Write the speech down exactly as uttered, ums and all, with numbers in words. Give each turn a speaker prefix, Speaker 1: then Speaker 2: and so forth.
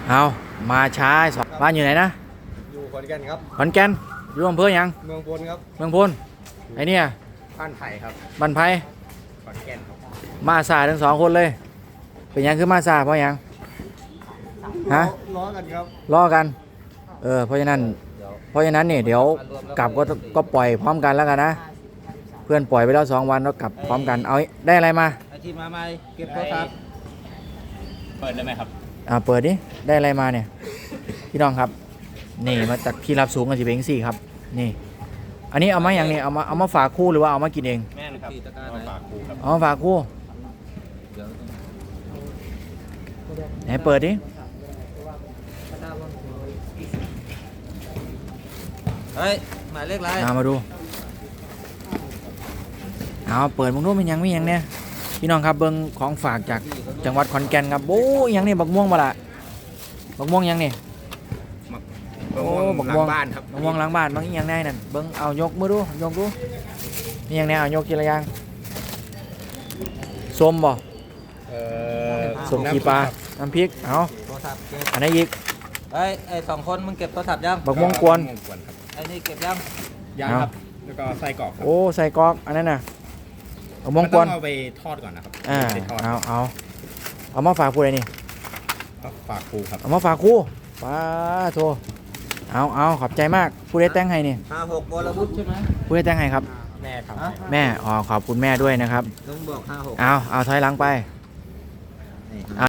Speaker 1: เอามาช้าสองบ้านอยู่ไหนนะ
Speaker 2: อยู่ขอนแก่นครับ
Speaker 1: ขอนแก่นอยู่อำเภอยัง
Speaker 2: เมืองพลครับ
Speaker 1: เมืองพลไอเนี่ย
Speaker 2: บ้านไผ่ครับ
Speaker 1: บ้านไผ่
Speaker 2: ขอนแก่นครับ
Speaker 1: มาสายทั้งสองคนเลยเป็นยังคือมาสายเพราะยังฮะ
Speaker 2: ล้อกันครับ
Speaker 1: ล้อกันเออเพราะฉะนั้นเพราะฉะนั้นเนี่ยเดี๋ยวกลับก็ก็ปล่อยพร้อมกันแล้วกันนะเพื่อนปล่อยไปแล้วสองวันแล้วกลับพร้อมกันเอาได้อะไรมา
Speaker 2: อาชีพมาใหม่เก็บโทรศัพท์เปิดได้ไหมครับ
Speaker 1: อ่าเปิดดิได้อะไรมาเนี่ยพี่น้องครับนี่มาจากพี่รับสูงกันสิเบงสี่ครับนี่อันนี้เอามาอย่างนี้เอามาเอามาฝากคู่หรือว่าเอามากินเอง
Speaker 2: แม่นครับเอามาฝากคู่ครับ
Speaker 1: เอามาฝากคู่ไหนเปิดดิ
Speaker 2: เฮ้ยหมายเลขอะไร
Speaker 1: เอามาดูเอาเปิดมึงรู้มันยังไม่ยังเนี่ยพี่น้องครับเบิ้งของฝากจากจังหวัดขอนแก่นครับโอ้ยังนี่บักม่วงมาละบักม่วงยังนี่
Speaker 2: โอ้บักม่วงบ้านครับ
Speaker 1: บักม่วงหลังบ้านบางยังไงนั่นเบิ้งเอายกมือดูยกดูนี่ยังไงเอายกกี่ระยางส้มบ่ส้มขี้ปลาน้ำพริกเอาอันนี้อีก
Speaker 2: ไอ้ไอ้สองคนมึงเก็บโทรศัพท์ยัง
Speaker 1: บักม่วงกวน
Speaker 2: ไอ้นี่เก็บยังยังครับแล้วก็ใส่กรอก
Speaker 1: โอ้ใส่กรอกอันนั้นน่ะบักม่วงกวน
Speaker 2: เอาไปทอดก่อนนะครับ
Speaker 1: อ่าเอาเอาเอามาฝากครูเลยนี่
Speaker 2: ฝากครูครับ
Speaker 1: เอามาฝากครูป้าโทเอาเอาขอบใจมากผู้ได้แต่งให้นี่
Speaker 2: ห้าหกวรวุฒิใช่ไหม
Speaker 1: ผู้ได้แต่งให้ครับ
Speaker 2: แม่ครับ
Speaker 1: แม่อ๋อขอบคุณแม่ด้วยนะครับ
Speaker 2: ต้องบอกห้าหก
Speaker 1: เอาเอาถอยหลังไป